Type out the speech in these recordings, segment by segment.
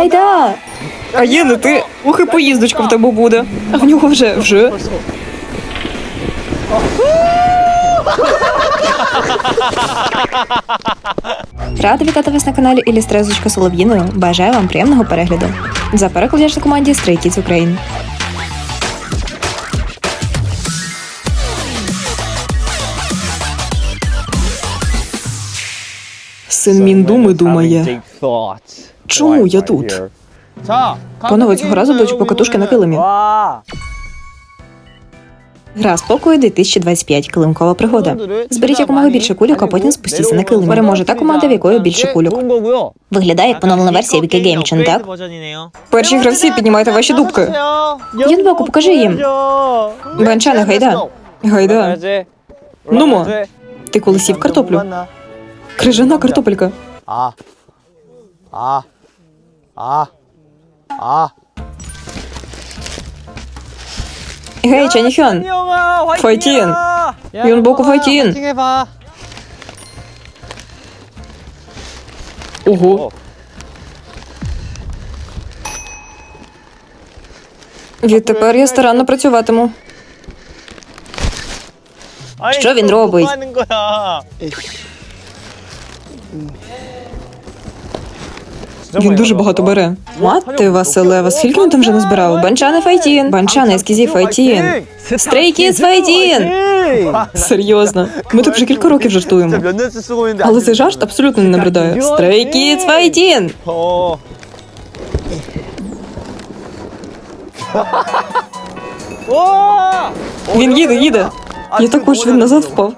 гайда! А є не ти. Ух, і поїздочка в тебе буде. А в нього вже. Рада вітати вас на каналі Ілістрезочка Солов'їною. Бажаю вам приємного перегляду. За переклад на команді Stray Kids Ukraine. Син Міндуми думає. Чому я тут? Панове, цього разу будуть покатушки на килимі. Гра спокою 2025. Килимкова пригода. Зберіть якомога більше кульок, а потім спустіться на килим. Переможе та команда, в якої більше кульок. Виглядає як поновлена версія Віки Геймчен, так? Перші гравці, піднімайте ваші дубки. Юнбоку, покажи їм. Бенчане, гайда. Гайда. Нумо. Ти коли сів картоплю? Крижана картопелька. Гей, Чаніхьон. Файтін. Юнбоку, файтін. Ого. Відтепер я старанно працюватиму. Що він робить? Він дуже багато бере. Мати Василева, скільки він там вже назбирав? Банчани файтін. Банчани, ескізі файтін. Stray Kids файтін. Серйозно. Ми так вже кілька років жартуємо. Але цей жарт абсолютно не набридає. Stray Kids файтін. Він їде. Я також, він назад впав.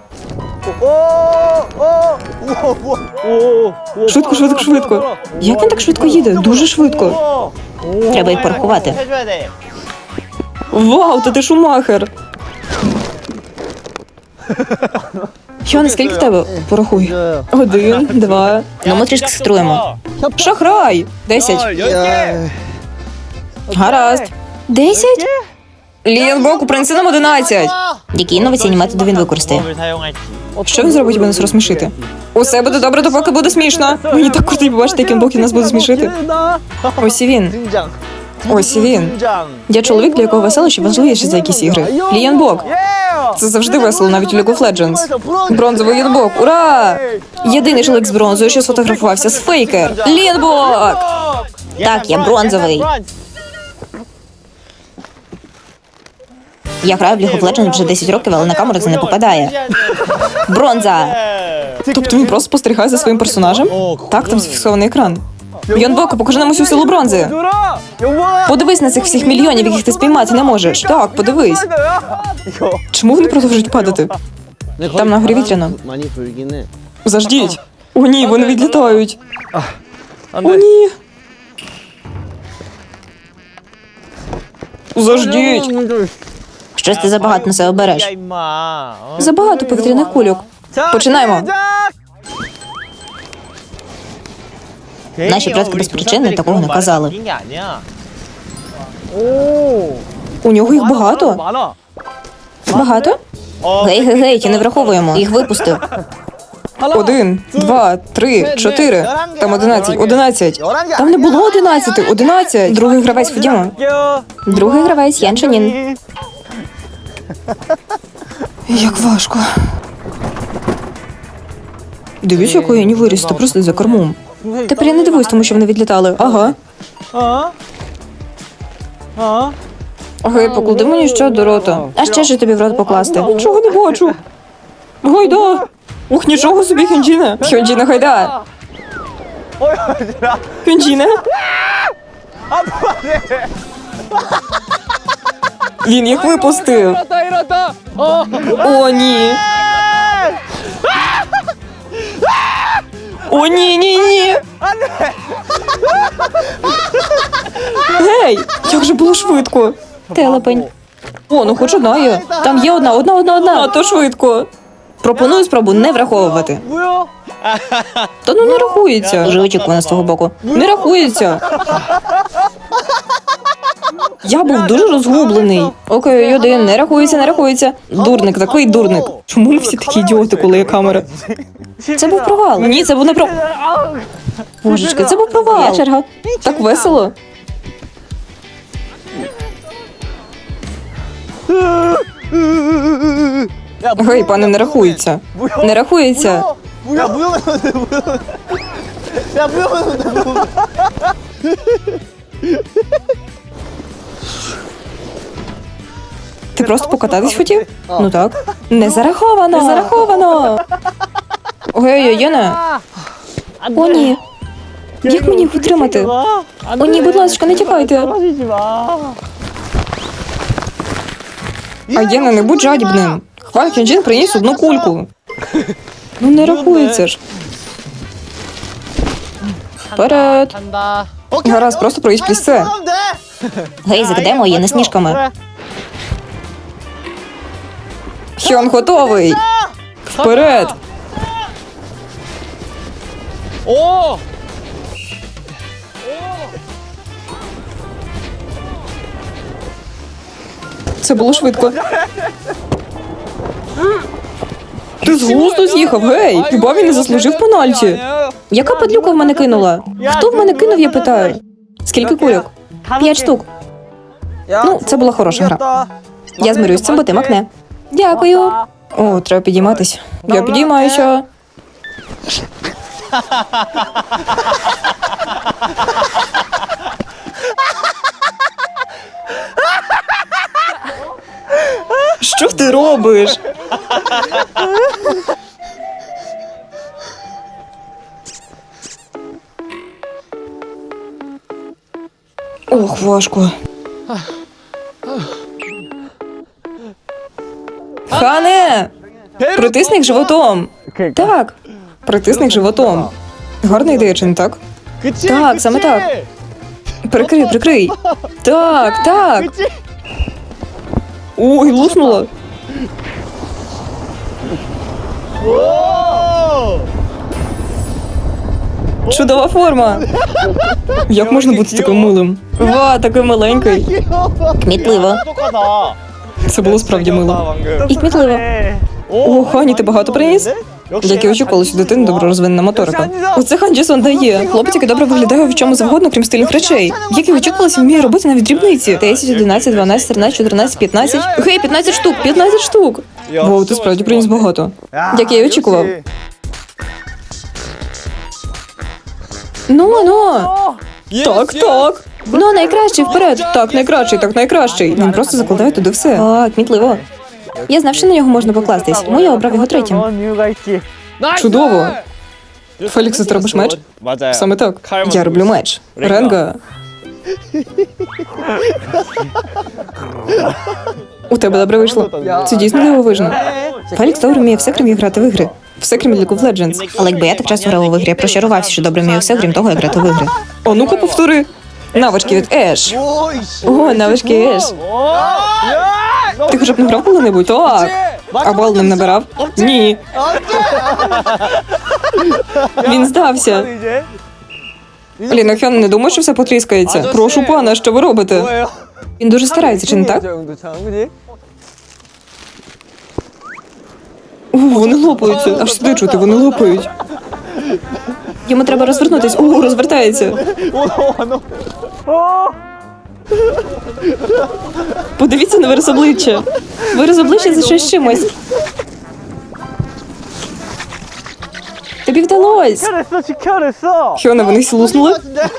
Швидко. Як він так швидко їде? Дуже швидко. Треба їх порахувати. Вау, та ти Шумахер. Хьон, скільки в тебе? Порахуй. 1, 2. Ну, ми трішки струємо. Шахрай! 10. Гаразд. 10? Лієнбоку, принеси нам 11. Які інноваційні методи він використає? Що він зробить, аби нас розсмішити? Усе буде добре, допоки буде смішно. Мені так круто побачити, яким боком нас буде смішити. Ось і він. Я чоловік, для якого веселощі важливіше за якісь ігри. Лієнбок. Це завжди весело, навіть у League of Legends. Бронзовий Лієнбок, ура! Єдиний чоловік з бронзою, що сфотографувався з Фейкер. Лієнбок! Так, я бронзовий. Я граю в League of Legends вже 10 років, але на камеру це не попадає. Бронза! Тобто він просто спостерігає за своїм персонажем? Так, там зафіксований екран. Йонбоку, покажи нам усю силу бронзи. Подивись на цих всіх мільйонів, яких ти спіймати не можеш. Так, подивись. Чому вони продовжують падати? Там на горі вітряно. Заждіть. О ні, вони відлітають. О ні. Заждіть. Щось ти забагато на себе береш. Забагато повітряних кульок. Починаємо. Наші предки без причини такого не казали. У нього їх багато? Багато? Гей, ті не враховуємо. Їх випустив. 1, 2, 3, 4. Там 11. Там не було 11. Другий гравець, ходімо. Другий гравець, Ян Чанін. Як важко. Дивіться, якою я не виріс, та просто за кормом. Тепер я не дивуюсь, тому що вони відлітали. Ага. Гей, поклади мені ще до рота. А ще ж тобі в рот покласти. Чого не бачу? Гайда! Ух, нічого собі, Хьонджіне. Хьонджіне, гайда. Хьонджіне? Він їх випустив. О, ні. О, ні. Гей, як же було швидко. Телепень. О, ну хоч одна є. Там є одна. А то швидко. Пропоную спробу не враховувати. Та ну не рахується. Вже очікувано з твого боку. Не рахується. Я був дуже розгублений. Окей, 1, не рахується. Дурник, такий дурник. Чому ми всі такі ідіоти, коли є камера? Це був провал. Ні, це був не провал. Божечки, це був провал. Моя черга. Так весело. Гей, пане, не рахується. Не рахується. 뭐야 무용했는데 뭐야 야 무용했는데 뭐 Ти просто покататись хотів? Ну так. Не зараховано. Не зараховано. Гей, Єна. О, ні. Як мені їх утримати? О, ні, будь ласка, не тікайте. 떨어지지 마 А Єна, не будь жадібним. Хван Хьонджін приніс одну кульку. Ну не рахується ж. Вперед. 간다 Гаразд, просто проїдь крізь це. Гей, закидаємо Єна сніжками. Хьон готовий. Вперед. 오 Це було швидко. Ти з глузду з'їхав, гей! Хіба він не заслужив пенальті? Яка падлюка в мене кинула? Хто в мене кинув, я питаю? Скільки кульок? 5 штук. Ну, це була хороша гра. Я змирюсь з цим, бо ти макне. Дякую. О, треба підійматись. Я підіймаюся. Що ти робиш? Ох, важко. Хане! Притисни їх животом. Так, притисни їх животом. Гарна ідея, чи не так? 그치 Так, саме так. Прикрий, прикрий. Так, так. Ой, луснула. 오 Чудова форма. Як можна бути таким милим? Ва, такий маленький. Кмітливо. 똑똑하다 Це було справді мило. 방금 І кмітливо. О, Хані, ти багато приніс? Як і очікувалось, у дитини добре розвинена моторика. Оце Хан Джесон дає. Хлопець, який добре виглядає в чому завгодно, крім стильних речей. Як і очікувалось, він вміє робити навіть дрібниці. 10, 11, 12, 13, 14, 15. Гей, 15 штук, 15 штук. Воу, ти справді приніс багато. Як я й очікував. Ну. Так, так. Ну, найкращий вперед. Так, найкращий, так найкращий. Він просто закладає туди все. А, кмітливо. Я знав, що на нього можна покластись, тому я обрав його третім. Чудово. Фелікс, ти робиш меч? 맞아요 Саме так. Я роблю меч. Ренга. У тебе добре вийшло. Це дійсно дивовижно. Фелікс добре вміє все, крім як грати в ігри. Все, крім League of Legends. Але якби я так часто грав у ігри, я прощарувався, що добре вмію все, крім того, як грати в ігри. О, ну-ка повтори. Навички від Еш. О, навички Еш. Ти хоча б не грав коли-небудь? Так. А бал ним набирав? Ні. Він здався. Ліна Хьон, не думаю, що все потріскається. Прошу пана, що ви робите? Він дуже старається, чи не так? О, вони лопаються. Аж сюди чути, вони лопають. Йому треба розвернутись. О, розвертається. Подивіться на вираз обличчя. Вираз обличчя за щось чимось. Тобі вдалось. 지켜냈어 지켜냈어 Хьоне, вони всі луснули?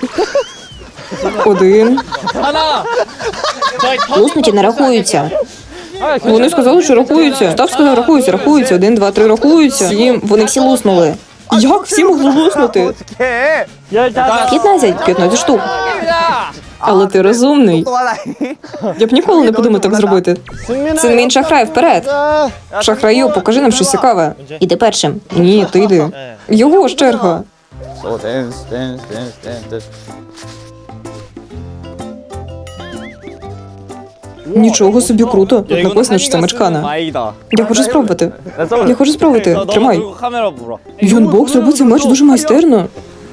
Один. 하나 Луснуті не рахуються. Вони сказали, що рахуються. Став сказав, рахуються, рахуються. 1, 2, 3, рахуються. 7. Вони всі луснули. Як всі могли луснути? 어떡해 15 15 штук. Але ти розумний. Я б ніколи не подумав так зробити. Цинмін шахрай, вперед. Шахраю, покажи нам щось цікаве. Іди першим. Ні, ти йди. Його ж черга. 오 댄스 댄스 댄스 댄스 Нічого собі круто. Тут написано, що це мечкана. 마이다 Я хочу спробувати. Я хочу спробувати. Тримай. 카메라 불어 Йон Бог зробив цей меч дуже майстерно.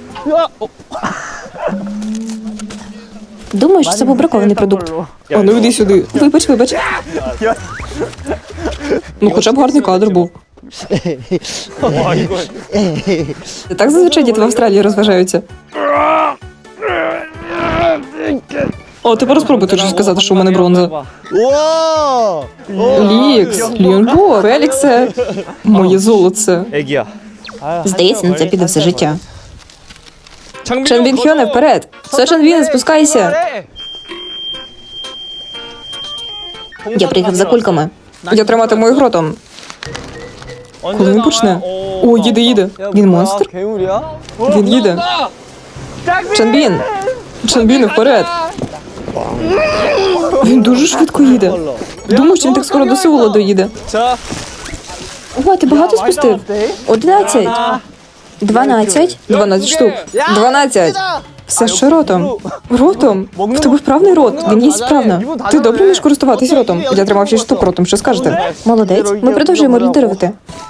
Думаю, що це був бракований продукт. А ну йди сюди. Вибач. Ну хоча б гарний кадр був. Так зазвичай діти в Австралії розважаються. О, тепер спробуйте вже сказати, що у мене бронза. 우와! Лікс, Ліонбо, Феліксе, моє золоце. 애기야. Здається, на це піде все життя. Чанбін Хьоне, вперед! Все, Чанбін, спускайся! Я приїхав за кульками. Я триматиму їх ротом. Коли він почне? О, їде. Він монстр? 괴물이야? Він їде. Чанбін! Чанбін, вперед! Він дуже швидко їде. Думаю, що він так скоро до Сеула доїде. 자, Ого, ти багато спустив? 11. 12. 12 штук. 12. Все ще ротом. Ротом? В тебе вправний рот. Він їсть справно. Ти добре вмієш користуватись ротом? Я тримав 6 штук ротом, що скажете? Молодець. Ми продовжуємо лідерувати.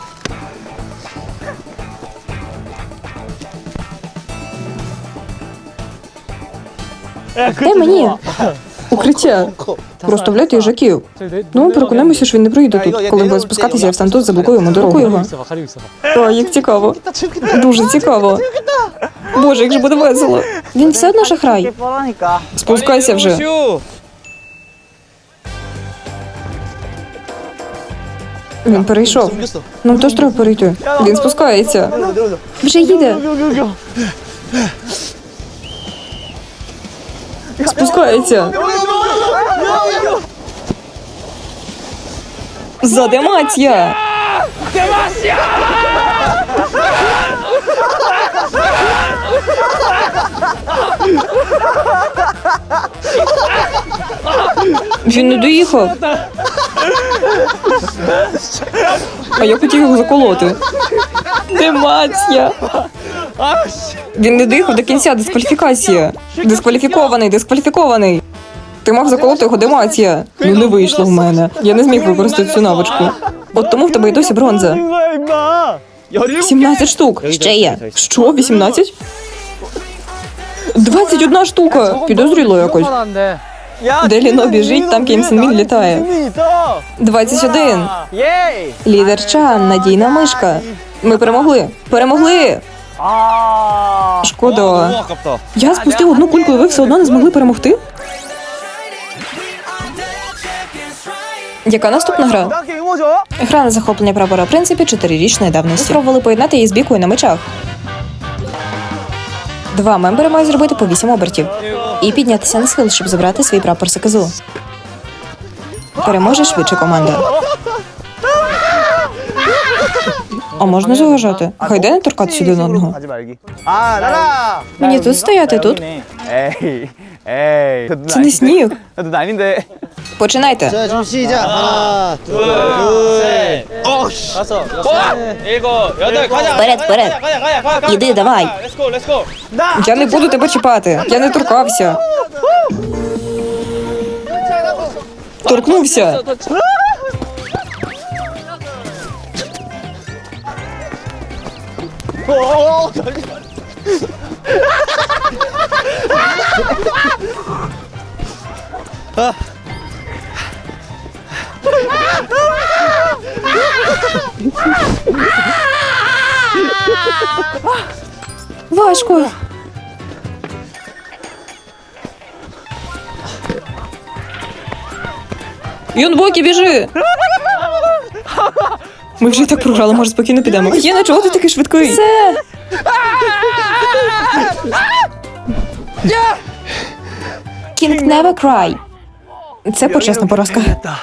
Дай мені. Укриття. Розставляйте їжаків. Ну, ми переконаємося, що він не проїде тут. Коли буде спускатися, я встану тут, заблокую йому дорогу. 가리고 있어봐. О, як цікаво. Дуже цікаво. Боже, як же буде весело. Він все одно шахрай. 뻔하니까. Спускайся вже. 슈! Він перейшов. 숨겼어. Нам теж треба перейти. Він спускається. 내려오자. Вже їде. 여기. Спускається. Задемація. Він не доїхав. А я хотів його заколоти. Демація. Він не доїхав до кінця, дискваліфікація. Дискваліфікований. Ти мав заколоти його, демація. Ну не вийшло в мене. Я не зміг використати цю навичку. От тому в тебе й досі бронза. 거야, 임마. 17 штук. Ще є. Що, 18? 21 штука. Підозріло якось. 뻔한데. 야, Де Ліно біжить, там Кім Сен Мін літає. Сен-Мін 있다. 21. єй! Лідер Чан, надійна мишка. Ми перемогли. Перемогли! 아. Шкода. 너무 아깝다. Я спустив одну кульку, і ви все одно не змогли перемогти? Яка наступна гра? 나 게임 뭐죠? Гра на захоплення прапора принципі 4-річної давності. Спробували поєднати її з бійкою на мечах. Два мембери мають зробити по 8 обертів і піднятися на схил, щоб забрати свій прапор Сакизу. Переможе швидше команда. А можна заважати? Хайде не торкатися один одного. 하지 말기. 아, 나라. Мені тут стояти, тут. 에이, 에이. Це не сніг. 나도 아닌데. Починайте. 자, 좀 시작. 하나, 둘, 셋. 어씨. 다섯, 여섯, 일곱, 여덟. 가자. Вперед, вперед. 가자. Іди, давай. Let's go, let's go. 나. Я не буду тебе чіпати. Я не торкався. Торкнувся. Важко. Юнбокі, біжи! Ми вже і так програли, може спокійно підемо. Єна, чого ти такий швидкий? Все! King never cry. Це почесна поразка.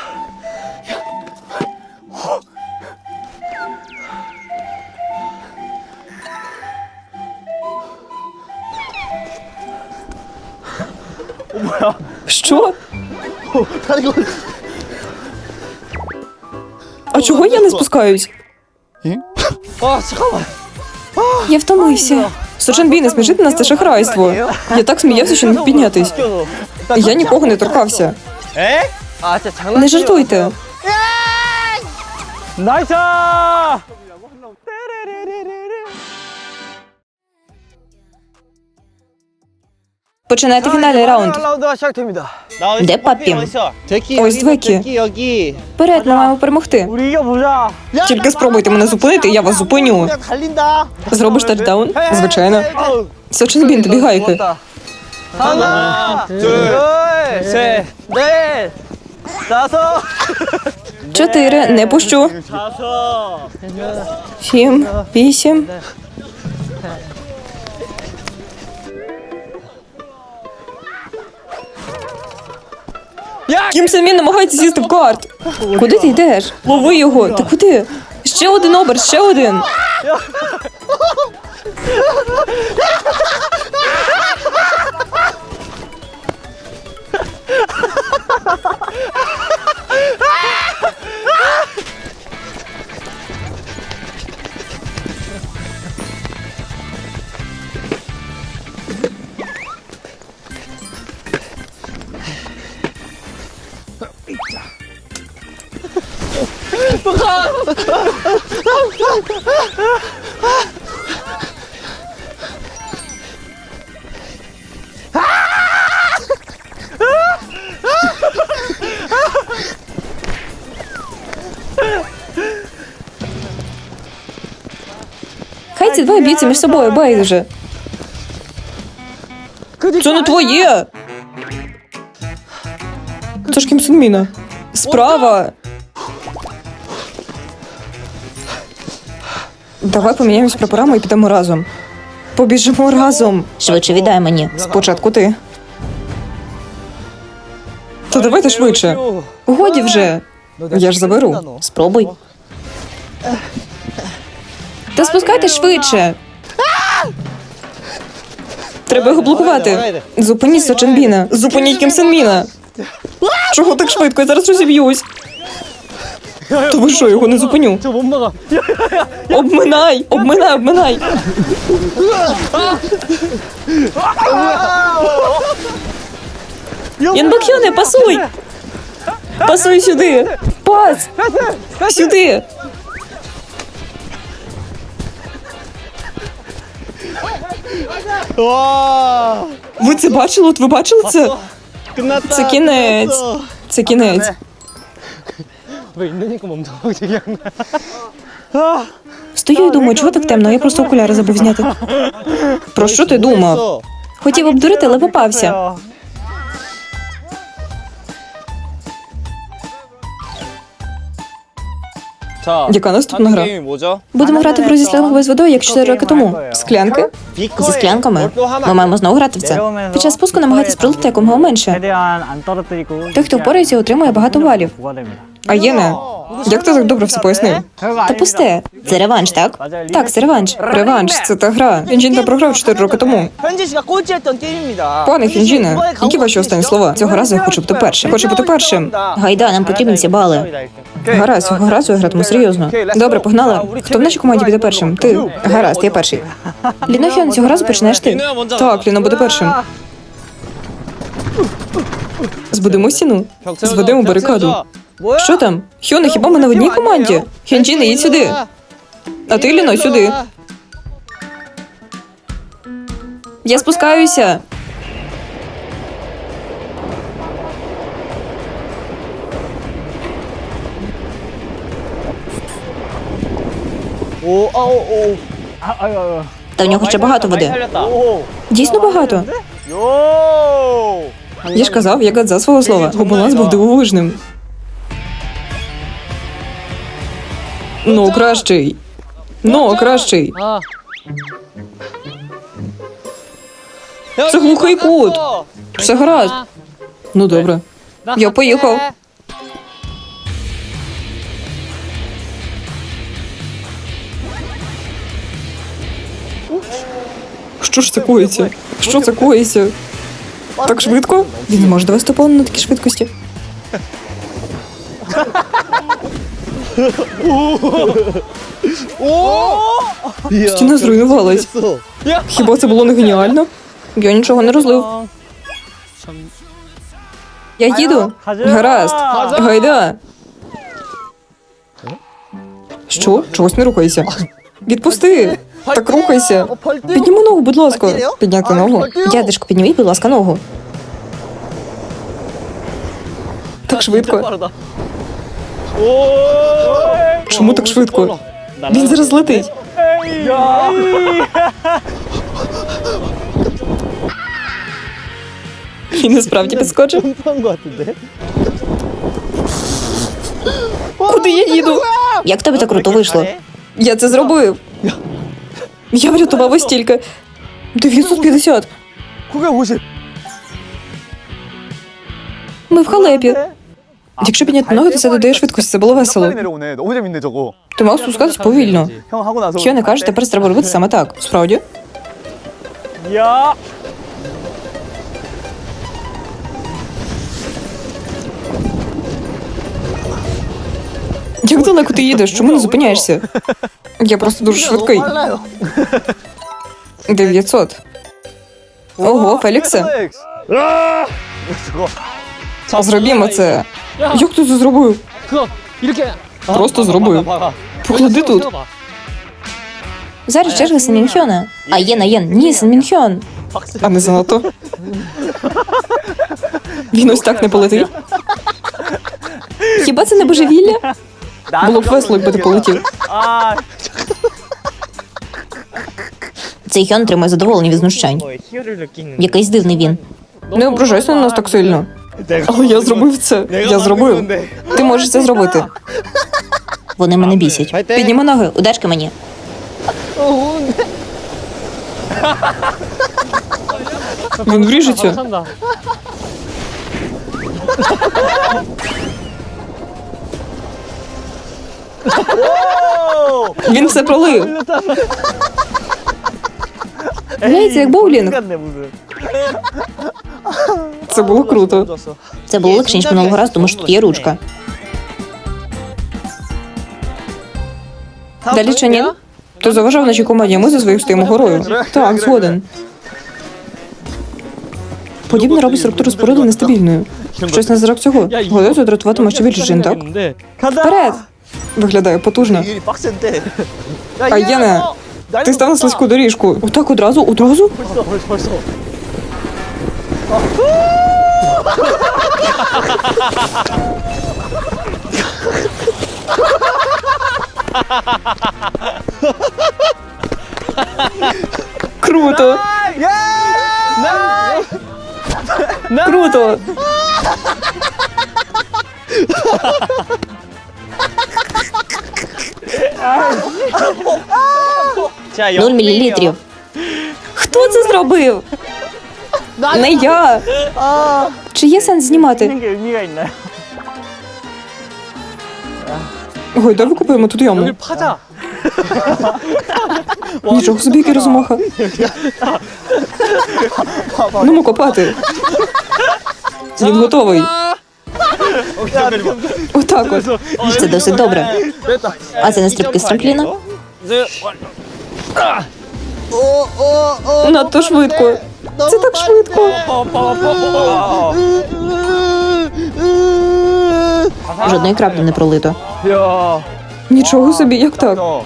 Що? А чого я не спускаюсь? 아, 잠깐만. Я втомився. Сочанбі, не смішити нас, це шахрайство. Я так сміявся, що не міг піднятись. Я нікого не торкався. 에? 아, 진짜 장난. Не жартуйте. 나이스! Починайте фінальний раунд. 라운드가 시작됩니다. Де папі? 데키 Ось двекі. 데키 여기. Вперед, ми маємо перемогти. 우리 이겨보자. Тільки спробуйте мене зупинити, я вас зупиню. 그냥 달린다. Зробиш тачдаун? Звичайно. Сочинбін, тобі гайки. 하나, 둘, 셋, 넷, 다섯, 4, не пущу. 7, 8. Кім Сен Мін намагається сісти в карт. Куди ти йдеш? Лови його. Ти куди? Ще один оберт, ще один. Хай ці двоє б'ються між собою, байдуже. Це не твоє. Це ж Кім Сен Міна. Справа. Давай поміняємось прапорами і підемо разом. Побіжимо разом. Швидше віддай мені. Спочатку ти. Та давайте швидше. Годі вже. Я ж заберу. Спробуй. Та спускайте швидше. Треба його блокувати. Зупиніть Сочинбіна. Зупиніть Кім Сен Міна. Чого так швидко? Я зараз розіб'юсь. То ви що, його не зупиню? 저못 막아. Обминай! Обминай, обминай! Янбакьоне, пасуй! Пасуй сюди! Пас! Сюди! 와. Ви це бачили? От ви бачили це? 끝났다. Це кінець. Це кінець. 왜 있느니까 멈춰 얘기한 Стою і думаю, чого так темно? Я просто окуляри забув зняти. Про що ти думав? Хотів обдурити, але попався. 거야. 자, Яка наступна гра? 게임이 뭐죠? Будемо грати в гру зі сленговою з водою, як 4 роки тому. Склянки? Зі склянками? Ми маємо знову грати в це. Під час спуску намагайтесь пролити якомога менше. 최대한 안 떨어뜨리고 Той, хто впорається, отримує багато балів. 부과됩니다. А Єне, як ти так добре все пояснив? Та пусте. Це реванш, так? Так, це реванш. Реванш, це та гра. Хінджін та програв 4 роки тому. 현진 씨가 꼴찌했던 게임입니다. Пане Хінджіне, які ваші останні слова? Цього разу я хочу бути першим. Хочу бути першим. Гайда, нам потрібні ці бали. Гаразд, цього разу я гратиму серйозно. Добре, погнали. Хто в нашій команді буде першим? Ти. Гаразд, я перший. Ліно Хьон, цього разу починаєш ти. Так, Ліно буде першим. Збудемо стіну. Зведемо барикаду. 뭐야? Що там? Хьоне, хіба ми не в одній команді? Хінджіне, їдь сюди. А ти, Ліно, сюди. Я спускаюся. 오, 아오, 오. 아유. Та в нього ще багато води. 살렸다. 오. Дійсно багато. 요. Я ж казав, я гадза свого слова. Його баланс був дивовижним. Ну, кращий. Ну, кращий. 아. Це глухий кут. Все гаразд. Ну, добре. Я поїхав. Що ж це коїться? Що це коїться? Так швидко? Він не може довести повну на такій швидкості. Стіна зруйнувалась. Хіба це було не геніально? Я нічого не розлив. Я їду. Гаразд. Гайда. Що? Чогось не рухайся. Відпусти. Так рухайся. Підніми ногу, будь ласка. Підняти ногу. Дядечко, підніміть, будь ласка, ногу. Так швидко. Чому так швидко? Він зараз летить. Він насправді підскочив. 점프한 것 같은데? Куди я їду? Як в тебе так круто вийшло? Я це зробив. Я врятував ось стільки. 950. 950. Ми в халепі. Якщо підняти ноги, то це додає швидкості. Це було весело. 빨리 내려오네. 너무 재밌네 저거. Ти мав спускатись повільно. 형 하고 나서. Що не кажеш, тепер треба робити саме так. Справді? 야. Як далеко ти їдеш? Чому не зупиняєшся? Я просто дуже швидкий. 빨라요. 900. Ого, Феліксе. 렉스. 저거. Зробімо це. Як ти це зробив? 그거 이렇게. Просто зробив. 박아. Поклади тут. Зараз черга Сен-Мінхьона. А Єн. Ні, Сен-Мінхьон. А не занадто. Він ось так не полетить. Хіба це не божевілля? Було б весело, якби ти полетів. 아, Цей Хьон тримає задоволення від знущань. 희열을 느끼는. Якийсь дивний він. Не ображайся на нас так сильно. Але я зробив це. Я зробив. Ти можеш це зробити. Вони мене бісять. Підніми ноги, удачки мені. Він вріжеться. 산다. Він все пролив. Грається як боулінг. 같네 무슨. Це було круто. 졌어. Це було легше, ніж минулого разу, тому що тут є ручка. Далі Чанін? Ти заважав нашій команді, а ми за своїх стоїмо горою. Так, згоден. Подібне робить структуру споруди нестабільною. Щось на зразок цього. Гадаю, це дратуватиме ще більше жін, так? Вперед! Виглядає потужно. 이게 빡센데. А Єне, ти став на слизьку доріжку. Отак одразу? Одразу? 벌써. Круто! Круто! 자, 0 мілілітрів. Хто це зробив? Не я. Чи є сенс знімати? 게 의미가 있나요? Ой, давай викупаємо тут яму. 파자. Нічого собі, який розмаха. Ну, копати. Він готовий. Отак от. Це досить добре. А це не стрибки з трампліна? Надто швидко. Це так швидко. Жодної краплі не пролито. 야. Нічого собі, як так? 어.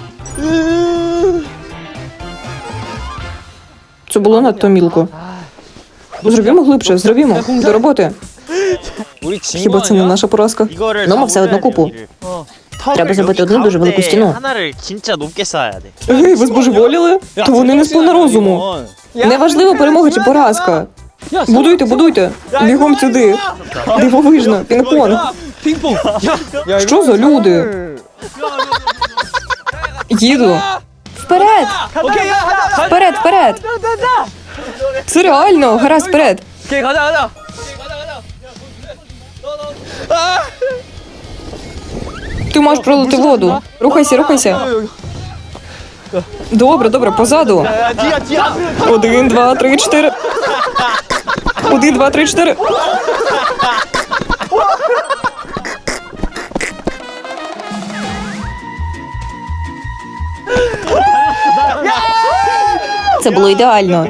Це було надто мілко. Зробімо глибше, зробімо. До роботи. 우리 Хіба це не наша поразка? 이거를 Ну, ми все одно купу. Треба зробити одну дуже велику стіну. 하나를 진짜 높게 쌓아야 돼. Гей, ви збожеволіли? То вони не сповна розуму. Неважливо, перемога чи поразка. Будуйте, будуйте. Бігом сюди. Дивовижно, пінг-понг. 핑퐁. 야, Що за люди? Їду. Вперед! 오케이, 가자. Вперед, вперед! Це реально, гаразд, вперед. 오케이, 가자. Ти можеш пролити воду. Рухайся, рухайся. Добре, добре, позаду. 야, 뒤야. 1, 2, 3, 4. 1, 2, 3, 4. Це було ідеально.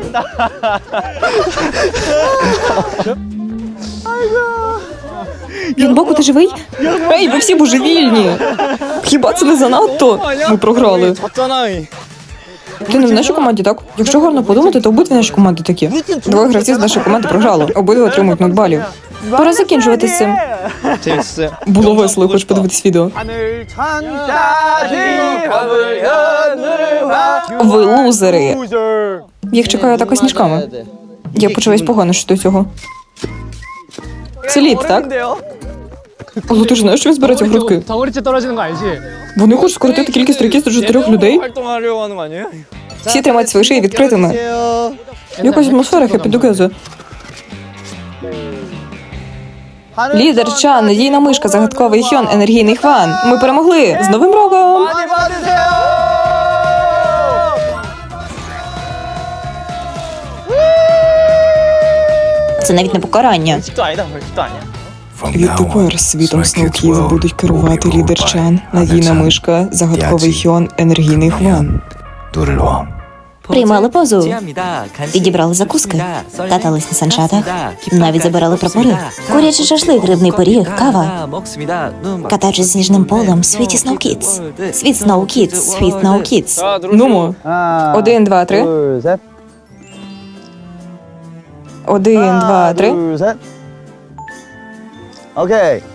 Він боку, ти живий? Ей, ви всі божевільні. Хіба це не занадто? Ми програли. 졌잖아. Ти не в нашій команді, так? Якщо гарно подумати, то обидві наші команди такі. Двоє гравців з нашої команди програли. Обидва отримують 0 балів. Пора закінчувати з цим. 재밌었어요. Було весело, хоч подивитись відео. 하늘 천자지 화물 하늘화. Ви лузери. Loser. Їх чекає атака сніжками. Я почуваюсь погано щодо цього. Це лід, так? Але ти ж знаєш, що він збирається в грудки? 덩어리째 떨어지는 거 알지? Вони хочуть скоротити кількість рекіз до 4 людей. 활동하려고 하는 거 아니에요? Всі тримають свої шиї відкритими. Якась атмосфера хеппі-дугезу. Лідер Чан, надійна мишка, загадковий Хьон, енергійний Хван. Ми перемогли! З Новим роком! 많이 받으세요. Це навіть не покарання. 집도 아니다 벌집도 아니야. Відтепер світом Сноукіз будуть керувати лідер Чан, надійна мишка, загадковий Хьон, енергійний Хван. Приймали позу, підібрали закуски, катались на санчатах, навіть забирали прапори. Курячий шашлик, грибний пиріг, кава. Катаючись сніжним полем, світі Snow Kids. Світ Snow Kids, світ Snow Kids. Нумо. 하나, 1, 2, 3. 둘, 셋. 1, 2, 3. 둘, 셋. 오케이.